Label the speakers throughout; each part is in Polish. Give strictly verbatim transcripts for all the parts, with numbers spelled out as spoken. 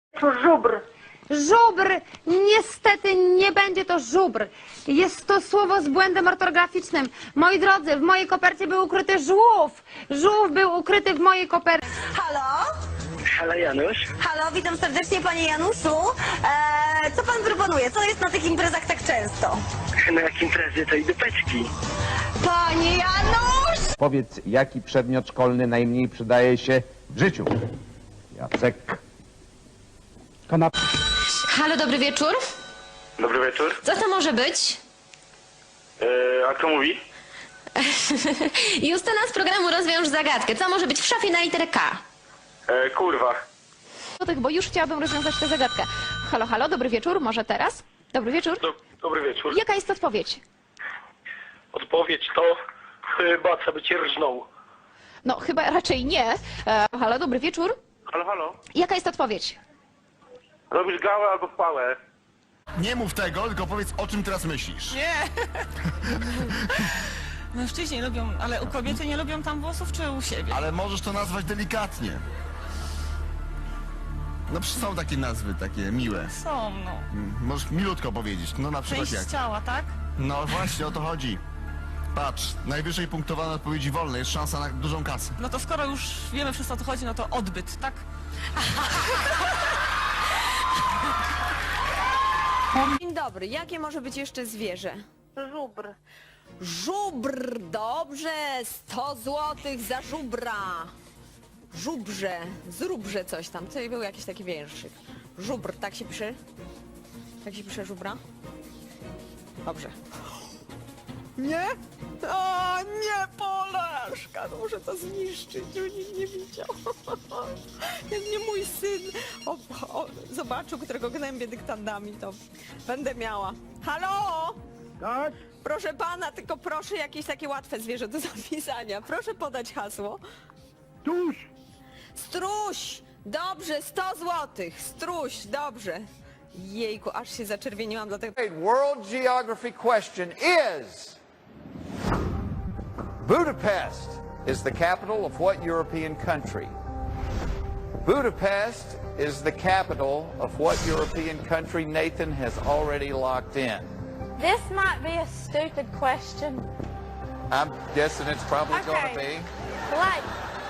Speaker 1: To żubr.
Speaker 2: Żubr! Niestety nie będzie to żubr. Jest to słowo z błędem ortograficznym. Moi drodzy, w mojej kopercie był ukryty żółw. Żółw był ukryty w mojej kopercie.
Speaker 3: Halo?
Speaker 4: Halo Janusz.
Speaker 3: Halo, witam serdecznie panie Januszu. Eee, co pan proponuje? Co jest na tych imprezach tak często?
Speaker 4: Na jak imprezy to i dupeczki.
Speaker 3: Panie Janusz!
Speaker 5: Powiedz, jaki przedmiot szkolny najmniej przydaje się w życiu? Jacek. Kanap.
Speaker 6: Halo, dobry wieczór.
Speaker 4: Dobry wieczór.
Speaker 6: Co to może być?
Speaker 4: Yy, a kto mówi?
Speaker 6: Justyna z programu Rozwiąż Zagadkę. Co może być w szafie na literę K?
Speaker 4: Yy, kurwa.
Speaker 2: Złotych, bo już chciałabym rozwiązać tę zagadkę. Halo, halo, dobry wieczór, może teraz? Dobry wieczór.
Speaker 4: Do, dobry wieczór.
Speaker 2: Jaka jest odpowiedź?
Speaker 4: Odpowiedź to chyba co by cię rżnął.
Speaker 2: No, chyba raczej nie. E, halo, dobry wieczór.
Speaker 4: Halo, halo.
Speaker 2: Jaka jest odpowiedź?
Speaker 4: Robisz gałę albo pałę.
Speaker 7: Nie mów tego, tylko powiedz, o czym teraz myślisz.
Speaker 8: Nie! Mężczyźni lubią, ale u kobiety nie lubią tam włosów, czy u siebie?
Speaker 7: Ale możesz to nazwać delikatnie. No przecież są takie nazwy, takie miłe.
Speaker 8: Są, no.
Speaker 7: Mm, Możesz milutko powiedzieć, no na przykład jak.
Speaker 8: Część ciała, tak?
Speaker 7: No właśnie, o to chodzi. Patrz, najwyżej punktowane odpowiedzi wolne, jest szansa na dużą kasę.
Speaker 8: No to skoro już wiemy wszystko o co chodzi, no to odbyt, tak?
Speaker 9: Dzień dobry, jakie może być jeszcze zwierzę?
Speaker 1: Żubr.
Speaker 9: Żubr, dobrze, sto złotych za żubra. Żubrze, zróbże coś tam, tutaj był jakiś taki wierszyk. Żubr, tak się pisze? Tak się pisze żubra? Dobrze. Nie? O, nie, Polaszka, no muszę to zniszczyć, żeby nikt nie widział. Jak mnie mój syn o, o, zobaczył, którego gnębię dyktandami, to będę miała. Halo?
Speaker 5: Tak?
Speaker 9: Proszę pana, tylko proszę jakieś takie łatwe zwierzę do zapisania. Proszę podać hasło.
Speaker 5: Tuż.
Speaker 9: Struś! Dobrze, sto złotych. Struś, dobrze. Jejku, aż się zaczerwieniłam dlatego.
Speaker 10: World geography question is, Budapest is the capital of what European country? Budapest is the capital of what European country Nathan has already locked in?
Speaker 1: This might be a stupid question.
Speaker 10: I'm guessing it's probably going to
Speaker 1: Okay.
Speaker 10: be.
Speaker 1: Like,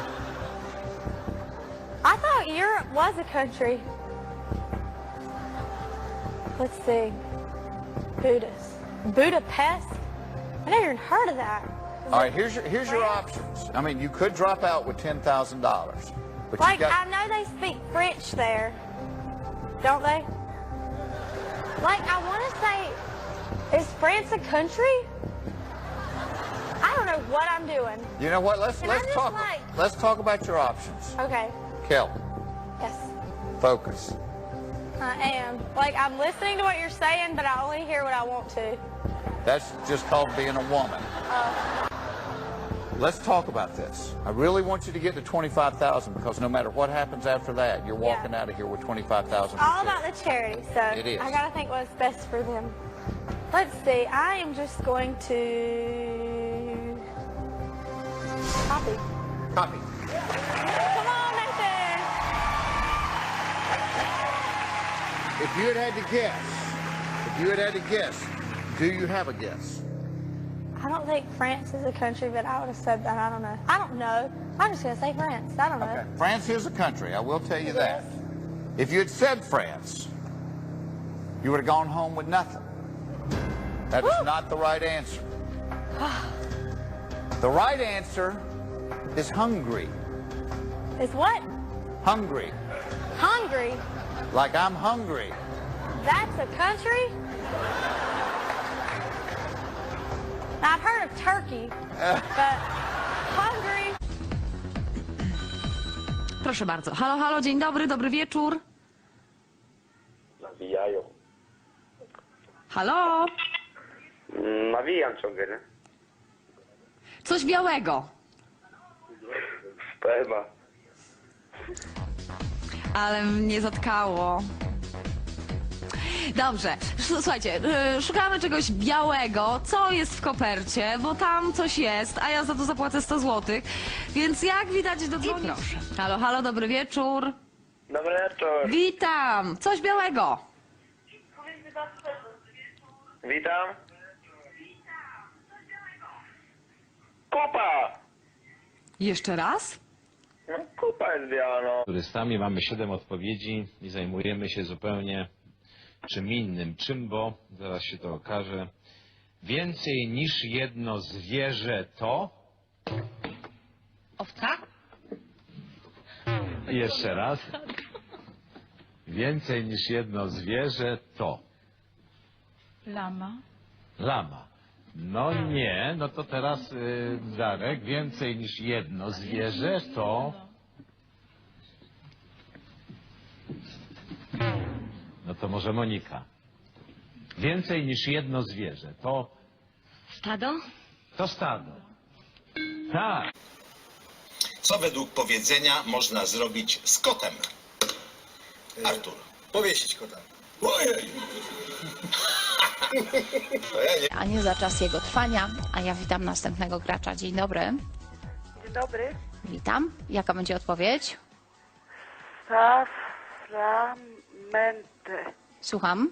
Speaker 1: I thought Europe was a country. Let's see. Budapest. Budapest? I never even heard of that.
Speaker 10: All right, here's your, here's your options. I mean, you could drop out with ten thousand dollars, but
Speaker 1: Like,
Speaker 10: you got...
Speaker 1: I know they speak French there, don't they? Like, I want to say, is France a country? I don't know what I'm doing.
Speaker 10: You know what? Let's
Speaker 1: Can I
Speaker 10: let's
Speaker 1: just,
Speaker 10: talk.
Speaker 1: like-
Speaker 10: Let's talk about your options.
Speaker 1: Okay,
Speaker 10: Kel,
Speaker 1: yes,
Speaker 10: focus.
Speaker 1: I am. Like, I'm listening to what you're saying, but I only hear what I want to.
Speaker 10: That's just called being a woman. Let's talk about this. I really want you to get to twenty-five thousand because no matter what happens after that, you're
Speaker 1: Yeah.
Speaker 10: walking out of here with twenty-five thousand.
Speaker 1: All about the charity, so
Speaker 10: It is.
Speaker 1: I gotta think what's best for them. Let's see, I am just going to copy.
Speaker 10: Copy.
Speaker 1: Come on, Nathan!
Speaker 10: If you had had to guess, if you had had to guess, do you have a guess?
Speaker 1: I don't think France is a country, but I would have said that. I don't know. I don't know. I'm just gonna say France. I don't know.
Speaker 10: Okay. France is a country. I will tell you
Speaker 1: It
Speaker 10: that.
Speaker 1: is?
Speaker 10: If you had said France, you would have gone home with nothing. That is
Speaker 1: Woo!
Speaker 10: not the right answer. The right answer is Hungary.
Speaker 1: Is what?
Speaker 10: Hungry.
Speaker 1: Hungary?
Speaker 10: Like I'm hungry.
Speaker 1: That's a country? Now, I've heard of Turkey, but Hungary?
Speaker 6: Proszę bardzo. Halo, halo, dzień dobry, dobry wieczór.
Speaker 4: Nawijają.
Speaker 6: Halo?
Speaker 4: Nawijam ciągle, nie?
Speaker 6: Coś białego.
Speaker 4: Sperma.
Speaker 6: Ale mnie zatkało. Dobrze, S- słuchajcie, y, szukamy czegoś białego, co jest w kopercie, bo tam coś jest, a ja za to zapłacę sto złotych, więc jak widać dodzwonić. Proszę. Halo, halo, dobry wieczór.
Speaker 4: Dobry wieczór.
Speaker 6: Witam! Coś białego.
Speaker 4: Witam. Kupa!
Speaker 6: Jeszcze raz?
Speaker 4: No, kupa jest biała, no.
Speaker 11: Turystami mamy siedem odpowiedzi i zajmujemy się zupełnie czym innym. Czym, bo zaraz się to okaże. Więcej niż jedno zwierzę to...
Speaker 6: Owca?
Speaker 11: Jeszcze raz. Więcej niż jedno zwierzę to...
Speaker 8: Lama.
Speaker 11: Lama. No nie, no to teraz y, Darek. Więcej niż jedno zwierzę to... No to może Monika. Więcej niż jedno zwierzę to...
Speaker 6: Stado?
Speaker 11: To stado. Tak.
Speaker 12: Co według powiedzenia można zrobić z kotem? Artur.
Speaker 10: Powiesić kota.
Speaker 12: Ojej! To ja nie.
Speaker 2: A nie za czas jego trwania, a ja witam następnego gracza. Dzień dobry.
Speaker 1: Dzień dobry.
Speaker 2: Witam. Jaka będzie odpowiedź?
Speaker 1: Saframente.
Speaker 2: Słucham.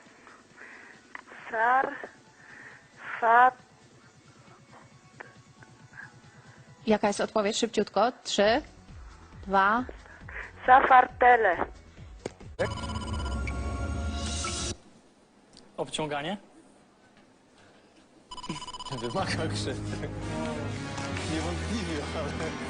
Speaker 1: Sar... Fat...
Speaker 2: Jaka jest odpowiedź? Szybciutko. Trzy, dwa.
Speaker 1: Safartele.
Speaker 8: Obciąganie? Wymaga krzywdy. Niewątpliwie, ale...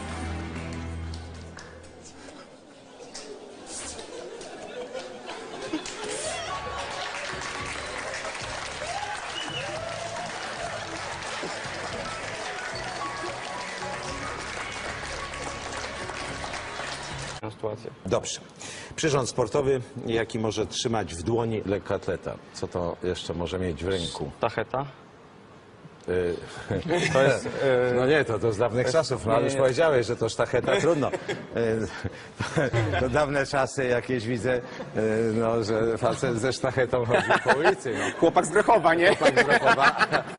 Speaker 13: Dobrze. Przyrząd sportowy, jaki może trzymać w dłoni lekkoatleta. Co to jeszcze może mieć w ręku?
Speaker 8: Tacheta?
Speaker 13: Y, to jest, no nie, to, to z dawnych czasów, no ale już powiedziałeś, że to sztacheta, trudno. Y, to, to dawne czasy jakieś widzę, y, no, że facet ze sztachetą chodzi po ulicy. No.
Speaker 5: Chłopak z Grochowa, nie?
Speaker 13: Chłopak z Grochowa.